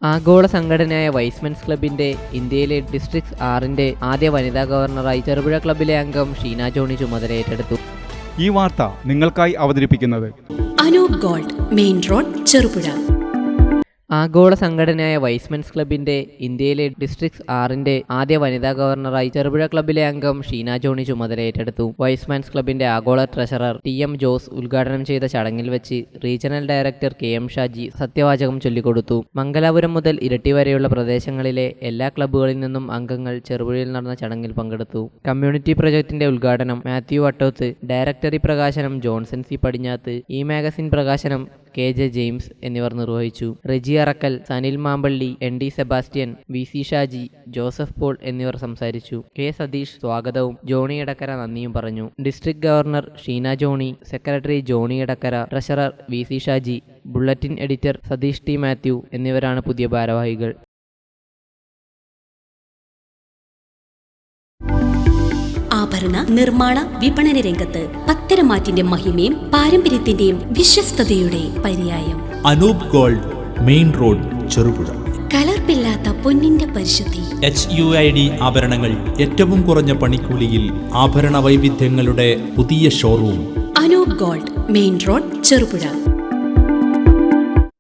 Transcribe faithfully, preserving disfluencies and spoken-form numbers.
ആഗോള സംഘടനയായ വൈസ്മെൻസ് ക്ലബിന്റെ ഇന്ത്യയിലെ ഡിസ്ട്രിക്ട് ആറിന്റെ ആദ്യ വനിതാ ഗവർണറായി ചെറുപുഴ ക്ലബിലെ അംഗം ഷീന ജോണി ചുമതല ഏറ്റെടുത്തു. ഈ വാർത്ത നിങ്ങൾക്കായി അവതരിപ്പിക്കുന്നത് Anoop gold, main road, Cherupuzha. ആഗോള സംഘടനയായ വൈസ്മെൻസ് ക്ലബിന്റെ ഇന്ത്യയിലെ ഡിസ്ട്രിക്ട് ആറിന്റെ ആദ്യ വനിതാ ഗവർണറായി ചെറുപുഴ ക്ലബിലെ അംഗം ഷീന ജോണി ചുമതല ഏറ്റെടുത്തു. വൈസ്മെൻസ് ക്ലബിന്റെ ആഗോള ട്രഷറർ ടി എം ജോസ് ഉദ്ഘാടനം ചെയ്ത ചടങ്ങിൽ വെച്ച് regional director K M Shaji സത്യവാചകം ചൊല്ലിക്കൊടുത്തു. മംഗലാപുരം മുതൽ ഇരട്ടി വരെയുള്ള പ്രദേശങ്ങളിലെ എല്ലാ ക്ലബ്ബുകളിൽ നിന്നും അംഗങ്ങൾ ചെറുപുഴയിൽ നടന്ന ചടങ്ങിൽ പങ്കെടുത്തു. കമ്മ്യൂണിറ്റി പ്രൊജക്ടിന്റെ ഉദ്ഘാടനം മാത്യു വട്ടോത്ത്, ഡയറക്ടറി പ്രകാശനം Johnson C Padinjath, e magazine പ്രകാശനം കെ ജെ ജെയിംസ് എന്നിവർ നിർവഹിച്ചു. Reji Arakkal, Sanil Mampally, N D Sebastian, V C Shaji, Joseph Paul എന്നിവർ സംസാരിച്ചു. കെ സതീഷ് സ്വാഗതവും ജോണി എടക്കര നന്ദിയും പറഞ്ഞു. District governor Sheena Johnny, secretary Johnny Edakkara, treasurer V C Shaji, bulletin editor Satheesh T Mathew എന്നിവരാണ് പുതിയ ഭാരവാഹികൾ. ആഭരണ നിർമ്മാണ വിപണന രംഗത്ത് പത്തരമാറ്റിന്റെ മഹിമയും പാരമ്പര്യത്തിന്റെയും വിശ്വസ്തയുടെ പര്യായം. Anoop gold, main road, Cherupuzha. കലർപ്പില്ലാത്ത പൊന്നിന്റെ പരിശുദ്ധി. എച്ച് യു ഐ ഡി ആഭരണങ്ങൾ ഏറ്റവും കുറഞ്ഞ പണിക്കൂലിയിൽ. ആഭരണ വൈവിധ്യങ്ങളുടെ പുതിയ showroom. Anoop gold, main road, Cherupuzha.